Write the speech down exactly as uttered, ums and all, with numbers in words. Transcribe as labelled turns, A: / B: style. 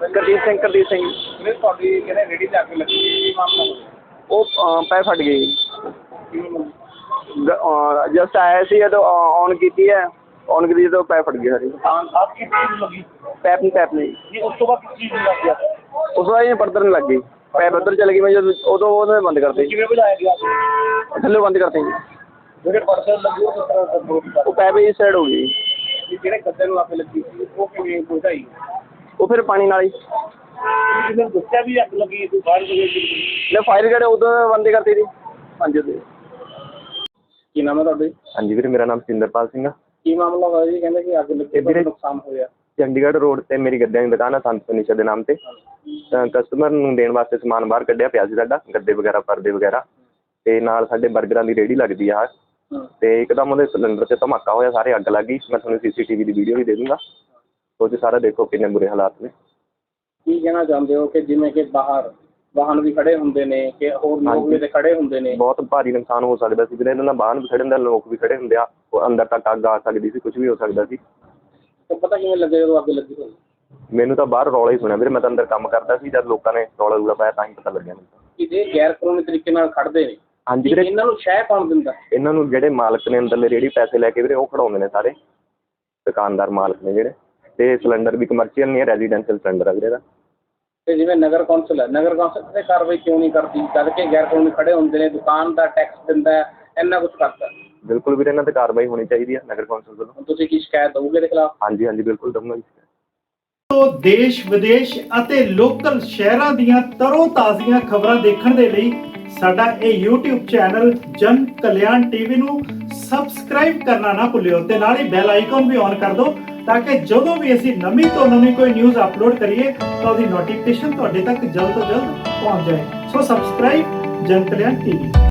A: ਗੁਰਦੀਪ ਸਿੰਘ ਗੁਰਦੀਪ ਸਿੰਘ
B: ਵੀਰੇ ਤੁਹਾਡੀ ਕਹਿੰਦੇ ਰੇਹੜੀ ਤੇ ਅੱਗ ਲੱਗੀ ਕੀ ਮਾਮਲਾ ਹੋਇਆ?
A: ਉਹ ਪੈ ਫਟ ਗਈ
B: ਕਿਵੇਂ ਹੋਇਆ?
A: ਜਸਟ ਆਇਆ ਸੀ ਜਦੋਂ ਔਨ ਕੀਤੀ ਹੈ ਔਨ ਕੀਤੀ ਜਦੋਂ ਪੈ ਫਟ ਗਈ ਸਾਰੀ
B: ਤਾਂ ਆਪ ਕੀ ਚੀਜ਼ ਨੂੰ ਲੱਗੀ?
A: ਪੈਪ ਨਹੀਂ ਪੈਪ ਨਹੀਂ
B: ਜੀ ਉਸ ਤੋਂ ਬਾਅਦ ਕਿਸ ਚੀਜ਼ ਨੂੰ ਲੱਗ ਗਿਆ?
A: ਉਸ ਤੋਂ ਬਾਅਦ ਇਹ ਬਰਤਨ ਨੂੰ ਲੱਗ ਗਈ ਪੈਪ ਉੱਧਰ ਚਲ ਗਈ ਮੈਂ ਜਦੋਂ ਉਦੋਂ ਉਹਨੇ ਬੰਦ ਕਰਤੇ
B: ਕਿਵੇਂ ਬੁਝਾਇਆ ਗਿਆ?
A: ਥੱਲੇ ਬੰਦ ਕਰਤੇ ਜੀ
B: ਜਿਹੜੇ ਪਰਸਨ ਲੱਗੇ ਉਹ ਕਿਸ ਤਰ੍ਹਾਂ ਕੰਟਰੋਲ ਕੀਤਾ?
A: ਉਹ ਪੈਪ ਇਸ ਸਾਈਡ ਹੋ ਗਈ
B: ਜੀ ਜਿਹੜੇ ਗੱਦੇ ਨੂੰ ਅੱਗ ਲੱਗੀ ਸੀ ਉਹ ਕਿਵੇਂ ਬੁਝਾਈ?
A: ਉਹ ਫਿਰ ਪਾਣੀ ਨਾਲ ਹੀ
B: ਕਿਸੇ ਨੇ ਦੱਸਿਆ ਵੀ ਅੱਗ ਲੱਗੀ ਤੂੰ ਬਾਹਰ ਗਏ ਸੀ?
A: ਲੈ ਫਾਇਰ ਗੇਟ ਉਦੋਂ ਬੰਦ ਕਰਤੀ ਸੀ ਪੰਜ ਦੇ
B: ਕੀ ਨਾਮ ਹੈ ਤੁਹਾਡੇ?
C: ਹਾਂਜੀ ਵੀਰੇ, ਮੇਰਾ ਨਾਮ ਸਿੰਦਰਪਾਲ ਸਿੰਘ ਆ।
B: ਕੀ ਮਾਮਲਾ ਹੋਇਆ ਜੀ? ਕਹਿੰਦੇ ਕਿ ਅੱਗ ਲੱਗੀ
C: ਵੀਰੇ
B: ਨੁਕਸਾਨ ਹੋਇਆ।
C: ਚੰਡੀਗੜ੍ਹ ਰੋਡ ਤੇ ਮੇਰੀ ਗੱਦਿਆਂ ਦੀ ਦੁਕਾਨ ਆ ਸੰਤ ਫਰਨੀਚਰ ਦੇ ਨਾਮ ਤੇ। ਤਾਂ ਕਸਟਮਰ ਨੂੰ ਦੇਣ ਵਾਸਤੇ ਸਮਾਨ ਬਾਹਰ ਕੱਢਿਆ ਪਿਆ ਸੀ ਸਾਡਾ, ਗੱਦੇ ਵਗੈਰਾ ਪਰਦੇ ਵਗੈਰਾ, ਤੇ ਨਾਲ ਸਾਡੇ ਬਰਗਰਾਂ ਦੀ ਰੇਹੜੀ ਲੱਗਦੀ ਆ। ਤੇ ਇੱਕਦਮ ਉਹਦੇ ਸਿਲੰਡਰ 'ਚ ਧਮਾਕਾ ਹੋਇਆ, ਸਾਰੇ ਅੱਗ ਲੱਗ ਗਈ। ਮੈਂ ਤੁਹਾਨੂੰ ਸੀ ਸੀ ਟੀ ਵੀ ਦੀ ਵੀਡੀਓ ਵੀ ਦੇ ਦੂੰਗਾ, ਉਹ 'ਚ ਸਾਰਾ ਦੇਖੋ ਕਿੰਨੇ ਬੁਰੇ ਹਾਲਾਤ ਨੇ।
B: ਕੀ ਕਹਿਣਾ ਚਾਹੁੰਦੇ ਹੋ ਕਿ ਜਿਵੇਂ ਕਿ ਬਾਹਰ ਵਾਹਨ ਵੀ ਖੜੇ ਹੁੰਦੇ ਨੇ ਕਿ ਹੋਰ ਲੋਕ ਵੀ ਤੇ ਖੜੇ ਹੁੰਦੇ ਨੇ?
C: ਬਹੁਤ ਭਾਰੀ ਨੁਕਸਾਨ ਹੋ ਸਕਦਾ ਸੀ ਵੀਰੇ, ਇਹਨਾਂ ਨਾਲ ਵਾਹਨ ਵੀ ਖੜੇ ਹੁੰਦੇ, ਲੋਕ ਵੀ ਖੜੇ ਹੁੰਦੇ ਆ, ਉਹ ਅੰਦਰ ਤੱਕ ਅੱਗ ਆ ਸਕਦੀ ਸੀ, ਕੁਝ ਵੀ ਹੋ ਸਕਦਾ ਸੀ।
B: ਤਾਂ ਪਤਾ ਕਿਵੇਂ ਲੱਗਿਆ ਜਦੋਂ ਅੱਗ ਲੱਗੀ ਹੋਈ?
C: ਮੈਨੂੰ ਤਾਂ ਬਾਹਰ ਰੌਲਾ ਹੀ ਸੁਣਿਆ ਵੀਰੇ, ਮੈਂ ਤਾਂ ਅੰਦਰ ਕੰਮ ਕਰਦਾ ਸੀ, ਜਦ ਲੋਕਾਂ ਨੇ ਰੌਲਾ ਰੂਲਾ ਪਾਇਆ ਤਾਂ ਹੀ ਪਤਾ ਲੱਗਿਆ ਮੈਨੂੰ।
B: ਕਿ ਜੇ ਗੈਰ ਕਾਨੂੰਨੀ ਤਰੀਕੇ ਨਾਲ ਖੜਦੇ ਨੇ,
C: ਹਾਂਜੀ ਵੀਰੇ,
B: ਇਹਨਾਂ ਨੂੰ ਸ਼ਹਿ ਕੌਣ ਦਿੰਦਾ?
C: ਇਹਨਾਂ ਨੂੰ ਜਿਹੜੇ ਮਾਲਕ ਨੇ ਅੰਦਰਲੇ ਰੇਹੜੀ ਪੈਸੇ ਲੈ ਕੇ ਵੀਰੇ ਉਹ ਖੜਾਉਂਦੇ ਨੇ ਸਾਰੇ ਦੁਕਾਨਦਾਰ ਮਾਲਕ ਨੇ ਜਿਹੜੇ। ਤੇ ਸਿਲੰਡਰ ਵੀ ਕਮਰਸ਼ੀਅਲ ਨਹੀਂ ਹੈ, ਰੈਜ਼ੀਡੈਂਸ਼ੀਅਲ ਸਿਲੰਡਰ ਆ ਵੀਰੇ ਦਾ।
B: ਤੇ ਜਿਵੇਂ ਨਗਰ ਕੌਂਸਲ ਹੈ, ਨਗਰ ਕੌਂਸਲ ਤੇ ਕਾਰਵਾਈ ਕਿਉਂ ਨਹੀਂ ਕਰਦੀ ਜਦ ਕਿ ਗੈਰ ਕਾਨੂੰਨੀ ਖੜੇ ਹੁੰਦੇ ਨੇ, ਦੁਕਾਨ ਦਾ ਟੈਕਸ ਦਿੰਦਾ ਹੈ, ਇੰਨਾ ਕੁਛ ਕਰਦਾ?
C: ਬਿਲਕੁਲ ਵੀਰੇ, ਇਹਨਾਂ ਤੇ ਕਾਰਵਾਈ ਹੋਣੀ ਚਾਹੀਦੀ ਹੈ ਨਗਰ ਕੌਂਸਲ ਵੱਲੋਂ।
B: ਹੁਣ ਤੁਸੀਂ ਕੀ ਸ਼ਿਕਾਇਤ ਦਓਗੇ ਇਹਦੇ ਖਿਲਾਫ?
C: ਹਾਂਜੀ ਹਾਂਜੀ ਬਿਲਕੁਲ ਦਊਂਗਾ ਜੀ।
D: ਤੋਂ ਦੇਸ਼ ਵਿਦੇਸ਼ ਅਤੇ ਲੋਕਲ ਸ਼ਹਿਰਾਂ ਦੀਆਂ ਤਰੋ ਤਾਜ਼ੀਆਂ ਖਬਰਾਂ ਦੇਖਣ ਦੇ ਲਈ ਸਾਡਾ ਇਹ YouTube ਚੈਨਲ ਜਨ ਕਲਿਆਣ ਟੀਵੀ ਨੂੰ ਸਬਸਕ੍ਰਾਈਬ ਕਰਨਾ ਨਾ ਭੁੱਲਿਓ ਤੇ ਨਾਲ ਹੀ ਬੈਲ ਆਈਕਨ ਵੀ ਔਨ ਕਰ ਦਿਓ ਤਾਂ ਕਿ ਜਦੋਂ ਵੀ ਅਸੀਂ ਨਵੀਂ ਤੋਂ ਨਵੀਂ ਕੋਈ ਨਿਊਜ਼ ਅਪਲੋਡ ਕਰੀਏ ਤਾਂ ਉਹਦੀ ਨੋਟੀਫਿਕੇਸ਼ਨ ਤੁਹਾਡੇ ਤੱਕ ਜਲਦ ਤੋਂ ਜਲਦ ਪਹੁੰਚ ਜਾਏ। ਸੋ ਸਬਸਕ੍ਰਾਈਬ ਜਨ ਕਲਿਆਣ ਟੀਵੀ।